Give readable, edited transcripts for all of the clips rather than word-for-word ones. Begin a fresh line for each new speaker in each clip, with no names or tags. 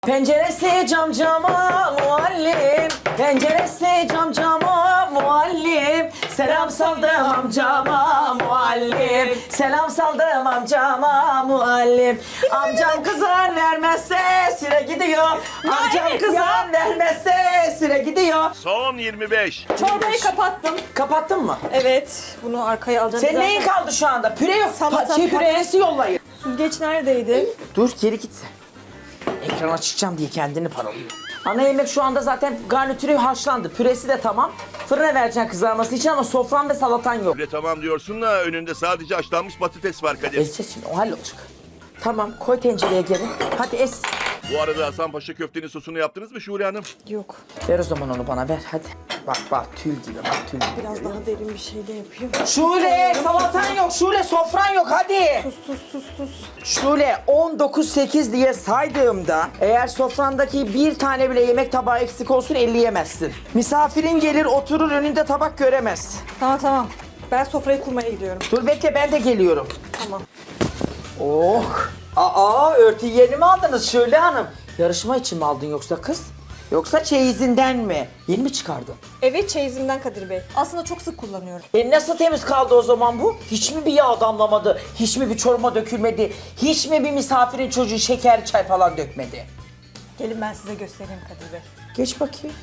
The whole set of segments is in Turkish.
Penceresi cam cama muallim, penceresi cam cama muallim. Selam saldım amcama muallim, selam saldım amcama muallim. Amcam kızar vermezse süre gidiyor, amcam kızar vermezse süre gidiyor.
Son 25.
Çorbayı kapattım.
Kapattın mı?
Evet. Bunu arkaya alacağım.
Senin neyin kaldı şu anda? Püre yok.
Salata,
Püresi yollayın.
Süzgeç neredeydi?
Dur geri git sen. Ekrana çıkacağım diye kendini paralıyor. Ana yemek şu anda zaten garnitürü haşlandı. Püresi de tamam. Fırına vereceksin kızarması için ama sofran ve salatan yok.
Öyle tamam diyorsun da önünde sadece haşlanmış patates var Kadir.
Ezeceğiz şimdi o hallolacak. Tamam koy tencereye geri. Hadi ez.
Bu arada Hasanpaşa köftenin sosunu yaptınız mı Şule Hanım?
Yok.
Ver o zaman onu bana ver hadi. Bak tül gibi bak tül gibi.
Biraz daha derin bir şey de yapayım.
Şule salatan yok. Şule sofran yok hadi.
Tuz.
Şule 19-8 diye saydığımda eğer sofrandaki bir tane bile yemek tabağı eksik olsun 50 yemezsin. Misafirin gelir oturur önünde tabak göremez.
Tamam. Ben sofrayı kurmaya gidiyorum.
Dur bekle ben de geliyorum.
Tamam.
Oh. Örtü yerini mi aldınız Şule Hanım? Yarışma için mi aldın yoksa kız? Yoksa çeyizinden mi? Yeni mi çıkardın?
Evet çeyizimden Kadir Bey. Aslında çok sık kullanıyorum.
Nasıl temiz kaldı o zaman bu? Hiç mi bir yağ damlamadı? Hiç mi bir çorba dökülmedi? Hiç mi bir misafirin çocuğu şeker çay falan dökmedi?
Gelin ben size göstereyim Kadir Bey.
Geç bakayım.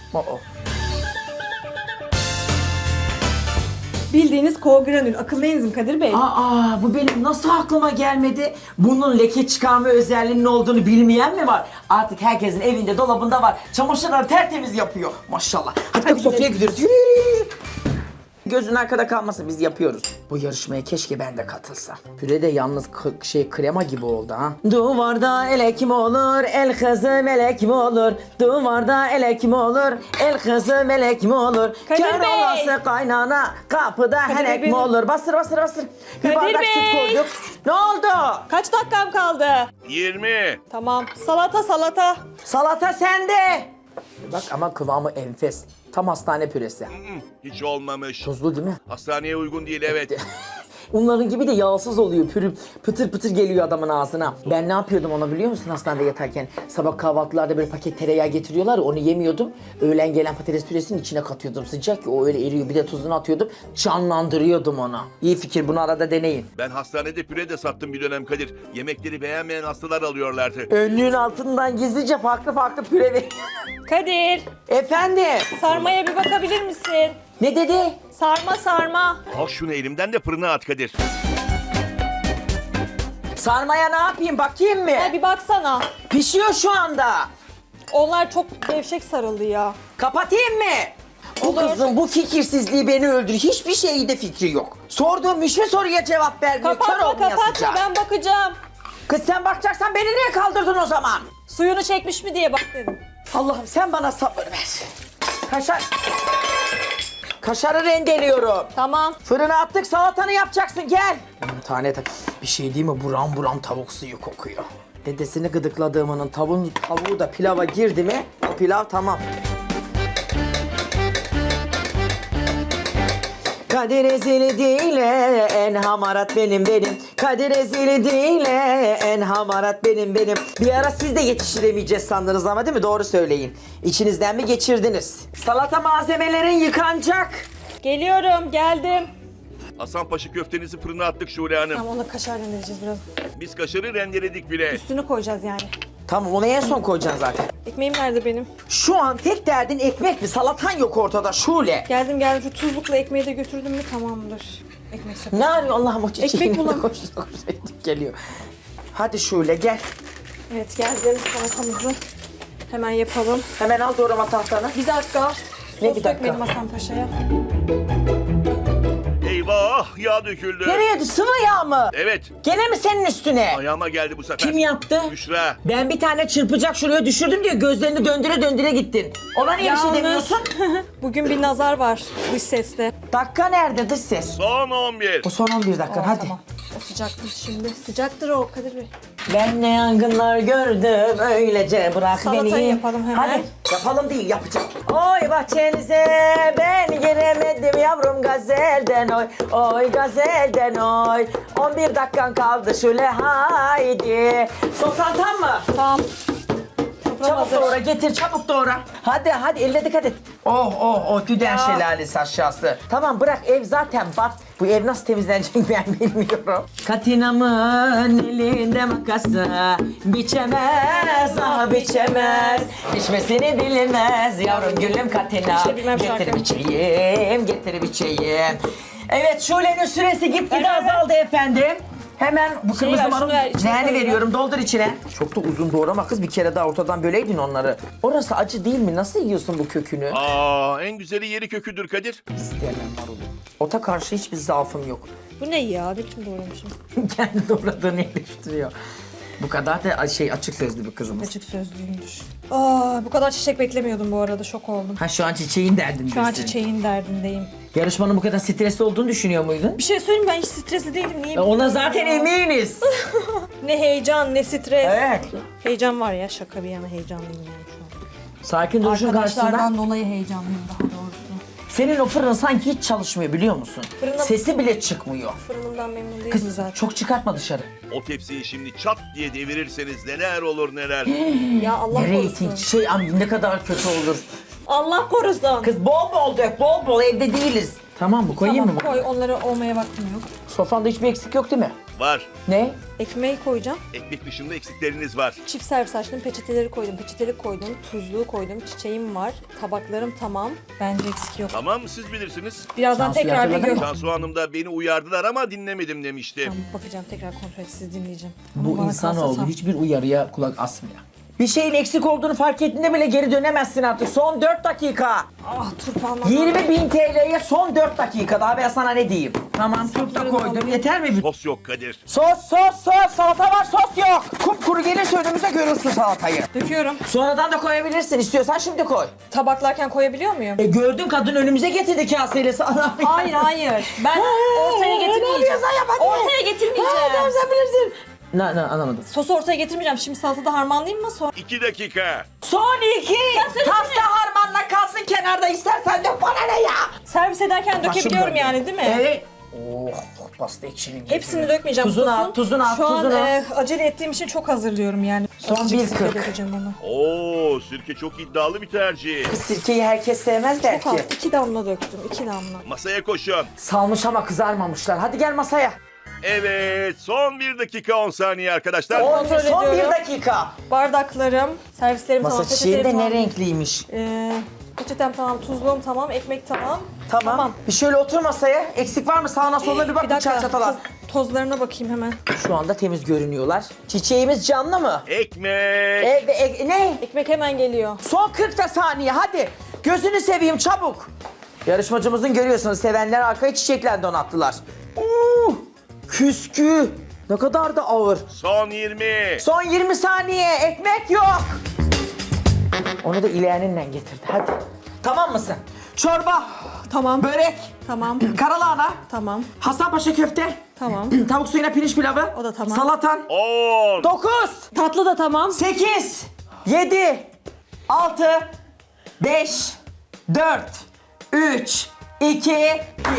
Bildiğiniz koagranül. Akıllı enzim Kadir Bey.
Bu benim nasıl aklıma gelmedi? Bunun leke çıkarma özelliğinin olduğunu bilmeyen mi var? Artık herkesin evinde, dolabında var. Çamaşırları tertemiz yapıyor. Maşallah. Hadi sofraya gidiyoruz. Yürü. Gözün arkada kalmasın biz yapıyoruz. Bu yarışmaya keşke ben de katılsam. Püre de yalnız krema gibi oldu ha. Duvarda elek mi olur, el kızı melek mi olur? Duvarda elek mi olur, el kızı melek mi olur?
Kadir
Kör
Bey!
olası kaynana, kapıda
Kadir
henek
Bey,
mi olur? Bastır. Bir
Kadir
bardak
Bey!
süt koyduk. Ne oldu?
Kaç dakikam kaldı?
20.
Tamam. Salata.
Salata sende. Bak ama kıvamı enfes. Tam hastane püresi.
Hiç olmamış.
Tuzlu değil mi?
Hastaneye uygun değil evet.
Onların gibi de yağsız oluyor. Pıtır pıtır geliyor adamın ağzına. Ben ne yapıyordum onu biliyor musun hastanede yatarken? Sabah kahvaltılarda böyle paket tereyağı getiriyorlar ya, onu yemiyordum. Öğlen gelen patates püresinin içine katıyordum. Sıcak ya o öyle eriyor. Bir de tuzunu atıyordum. Canlandırıyordum onu. İyi fikir, bunu arada deneyin.
Ben hastanede püre de sattım bir dönem Kadir. Yemekleri beğenmeyen hastalar alıyorlardı.
Önlüğün altından gizlice farklı püre ver.
Kadir.
Efendim?
Sarmaya bir bakabilir misin?
Ne dedi?
Sarma.
Al şunu elimden de fırına at Kadir.
Sarmaya ne yapayım bakayım mı?
Bir baksana.
Pişiyor şu anda.
Onlar çok gevşek sarıldı ya.
Kapatayım mı? Bu
Olur.
kızın bu fikirsizliği beni öldürür. Hiçbir şeyde fikri yok. Sorduğum hiçbir soruya cevap vermiyor. Kör
Kapatma
olmaya sıcak.
ben bakacağım.
Kız sen bakacaksan beni niye kaldırdın o zaman?
Suyunu çekmiş mi diye bak dedim.
Allah'ım sen bana sabır ver. Kaşarı rendeliyorum.
Tamam.
Fırına attık, salatanı yapacaksın, gel. Tane bir şey değil mi? Buram tavuk suyu kokuyor. Dedesini gıdıkladığımının tavuğu da pilava girdi mi? O pilav tamam. Kadir ezili değil en hamarat benim. Kadir ezili değil en hamarat benim. Bir ara siz de yetiştiremeyeceğiz sandınız ama değil mi? Doğru söyleyin. İçinizden mi geçirdiniz? Salata malzemelerin yıkanacak.
Geliyorum, geldim.
Hasanpaşa köftenizi fırına attık Şule Hanım.
Tamam, onu kaşar rendeleyeceğiz biraz.
Biz kaşarı rendeledik bile.
Üstünü koyacağız yani.
Tamam onu en son koyacaksın zaten.
Ekmeğim nerede benim?
Şu an tek derdin ekmek mi? Salatan yok ortada Şule.
Geldim. Şu tuzlukla ekmeği de götürdüm mü tamamdır. Ekmek sepeti.
Ne arıyor Allah'ım o çiçeği?
Ekmek bulam-
Koştu, geliyor. Hadi Şule gel.
Evet geldim salatamızı. Hemen yapalım.
Hemen al doğrama tahtanı.
Bir dakika.
Ne
Sos
bir dakika?
dökmedim Hasan Paşa'ya.
Eyvah yağ döküldü.
Nereye? Sıvı yağ mı?
Evet.
Gene mi senin üstüne?
Ayağıma geldi bu sefer.
Kim yaptı?
Büşra.
Ben bir tane çırpacak şuraya düşürdüm diye gözlerini döndüre gittin. Ona niye bir şey demiyorsun?
Bugün bir nazar var dış seste.
Dakika nerede dış ses?
Son 11.
O son 11 dakika hadi.
Tamam. O sıcaktır şimdi. Sıcaktır o Kadir Bey.
Ben ne yangınlar gördüm öylece bırak
Salatayı
beni.
yapalım hemen.
Hadi yapalım değil yapacağım. Oy bahçenize ben giremedim yavrum gazelden oy. Oy gazelden oy. 11 dakikan kaldı şöyle haydi. Sultan tam mı?
Tamam. Sofram
Çabuk
hazır.
doğra getir çabuk doğra. Hadi hadi eline dikkat et. Oh düden şelalesi aşağısı. Tamam bırak ev zaten bat. Bu ev nasıl temizlenecek ben bilmiyorum. Katinamın elinde makası biçemez ah biçemez. Biçmesini bilmez yavrum gülüm Katina.
İşte bilmem
Getir
şarkı.
biçeyim getir biçeyim. Evet Şule'nin süresi gitgide azaldı efendim. Hemen bu
Şey
kırmızı
ver,
marul
şunu ver, içine
leğeni
koy ya.
veriyorum doldur içine. Çok da uzun doğrama kız bir kere daha ortadan böleydin onları. Orası acı değil mi? Nasıl yiyorsun bu kökünü?
Aa, en güzeli yeri köküdür Kadir.
İstemem marulu. Ota karşı hiçbir zaafım yok.
Bu ne ya? Ne biçim doğramışım?
Kendi doğradığını eleştiriyor. Bu kadar da açık sözlü bir kızımız.
Açık sözlüyümdür. Aa, bu kadar çiçek beklemiyordum bu arada. Şok oldum.
Ha şu an çiçeğin derdindesin.
Şu an çiçeğin derdindeyim.
Yarışmanın bu kadar stresli olduğunu düşünüyor muydun?
Bir şey söyleyeyim ben hiç stresli değilim. Niye?
Ona
bilmiyorum
zaten
ya.
eminiz.
Ne heyecan ne stres.
Evet.
Heyecan var ya şaka bir yana heyecanlıyım yani şu an.
Sakin duruşun karşısında.
Arkadaşlardan dolayı heyecanlıyım daha doğrusu.
Senin o fırın sanki hiç çalışmıyor biliyor musun?
Fırına-
Sesi bile çıkmıyor.
Fırınımdan memnun değilim
Kız
zaten.
çok çıkartma dışarı.
O tepsiyi şimdi çat diye devirirseniz neler olur neler.
Ya Allah
Nereye
korusun.
itin? Ne kadar kötü olur.
Allah korusun.
Kız bol bol dök, bol bol evde değiliz. Tamam mı? Koyayım
Tamam
mı bunu?
koy onları olmaya vaktim yok.
Sofranda hiçbir eksik yok değil mi?
Var.
Ne?
Ekmeği koyacağım.
Ekmek dışında eksikleriniz var.
Çift servis açtım, peçeteleri koydum, peçetelik koydum, tuzluğu koydum, çiçeğim var, tabaklarım tamam. Bence eksik yok.
Tamam siz bilirsiniz.
Birazdan
Şansı
tekrar bir
hatırladın
gör.
mı?
Cansu Hanım da beni uyardılar ama dinlemedim demişti.
Tamam, bakacağım tekrar kontrol et, siz dinleyeceğim.
Bu
Ama bana
insanoğlu
kalsa tam.
hiçbir uyarıya kulak asmıyor. Bir şeyin eksik olduğunu fark ettiğinde bile geri dönemezsin artık. Son 4 dakika.
Ah turpanlar.
20.000 TL'ye son 4 dakika. Daha ben sana ne diyeyim? Tamam turp da koydum. Yeter mi?
Sos yok Kadir.
Sos. Salata var sos yok. Kupkuru gelirse önümüze görürsün salatayı.
Döküyorum.
Sonradan da koyabilirsin. İstiyorsan şimdi koy.
Tabaklarken koyabiliyor muyum?
Gördün kadın önümüze getirdi kaseyle sana.
Hayır. Ben ortaya
Ne
getirmeyeceğim.
yapıyorsan yap hadi.
Ortaya getirmeyeceğim.
Tamam sen bilirsin. Ne anlamadım.
Sosu ortaya getirmeyeceğim. Şimdi salatada harmanlayayım mı? Sonra
2 dakika.
Son 2. Pasta harmanla kalsın kenarda istersen de bana ne ya?
servis ederken dökebiliyorum
Başım
yani
döndü.
değil mi?
Evet. Oh pasta ekşinin.
Hepsini dökmeyeceğim
Tuzunu
sosun.
at, tuzunu at,
Şu an
tuzunu at.
acele ettiğim için çok hazırlıyorum yani.
Son
Azıcık
1.40.
sirke dökeceğim onu.
Oo, sirke çok iddialı bir tercih.
Sirkeyi herkes sevmez der
Çok az.
ki.
2 damla döktüm. 2 damla.
Masaya koşun.
Salmış ama kızarmamışlar. Hadi gel masaya.
Evet, son 1 dakika 10 saniye arkadaşlar.
Kontrol
Son 1
ediyorum.
dakika.
Bardaklarım, servislerim
Masa
tamam.
çiçeğin de
peçetelerim
ne
tamam.
renkliymiş.
Peçetem tamam, tuzluğum tamam, ekmek tamam.
Tamam. Bir şöyle otur masaya. Eksik var mı? Sağına soluna bir bak.
Bir
Bir
dakika,
çatalar.
tozlarına bakayım hemen.
Şu anda temiz görünüyorlar. Çiçeğimiz canlı mı?
Ekmek.
Ne?
Ekmek hemen geliyor.
Son 40 da saniye hadi. Gözünü seveyim çabuk. Yarışmacımızın görüyorsunuz sevenler arkaya çiçekler donattılar. Küskü. Ne kadar da ağır.
Son 20.
Son 20 saniye ekmek yok. Onu da ileğeninle getirdi hadi. Tamam mısın? Çorba,
Tamam.
börek,
Tamam.
karalahana,
Tamam.
Hasanpaşa köfte,
Tamam.
tavuk suyuna pirinç pilavı,
O da tamam.
salatan,
10.
9,
Tatlı da tamam.
8, 7, 6, 5, 4, 3, 2, 1.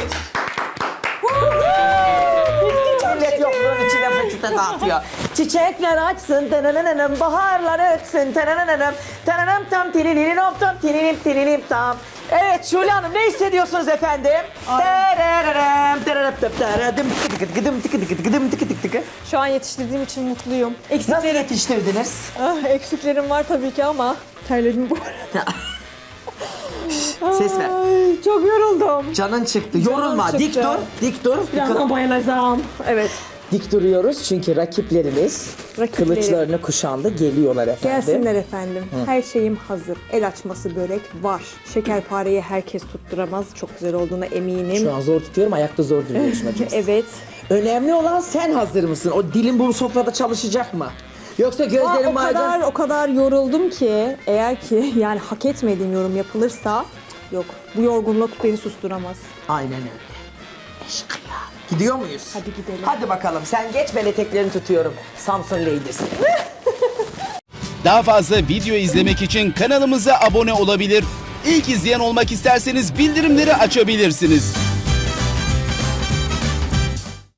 Millet yokluğun içine fırçata dağıtıyor. Çiçekler açsın, tanananam, baharlar ötsün, tanananam, tananam tam tililim tam tililim tililim tam. Evet Şule Hanım ne hissediyorsunuz efendim? Tarararam, tararap, taradım, tıkıdıkıdıkıdım, tıkıdıkıdıkıdım, tıkıdıkıdıkı.
Şu an yetiştirdiğim için mutluyum.
Nasıl yetiştirdiniz?
Eksiklerim var tabii ki ama terledim bu arada.
Ses ver.
Ay, çok yoruldum.
Canın çıktı. Yorulma.
çıktı.
Dik dur. Dik dur.
Birazdan bayılacağım. Evet.
Dik duruyoruz çünkü rakiplerimiz
Rakiplerim.
kılıçlarını kuşandı. Geliyorlar efendim.
Gelsinler efendim. Her şeyim hazır. El açması börek var. Şekerpareyi herkes tutturamaz. Çok güzel olduğuna eminim.
Şu an zor tutuyorum. Ayakta zor duruyor yarışmacımız.
Evet.
Önemli olan sen hazır mısın? O dilin bu sofrada çalışacak mı? Yoksa gözlerin maydanoz...
o kadar yoruldum ki eğer ki yani hak etmediğim yorum yapılırsa yok. Bu yorgunluk beni susturamaz.
Aynen öyle. Eşkıya. Gidiyor muyuz?
Hadi gidelim.
Hadi bakalım. Sen geç ben eteklerini tutuyorum. Samsun Ladies.
Daha fazla video izlemek için kanalımıza abone olabilir. İlk izleyen olmak isterseniz bildirimleri açabilirsiniz.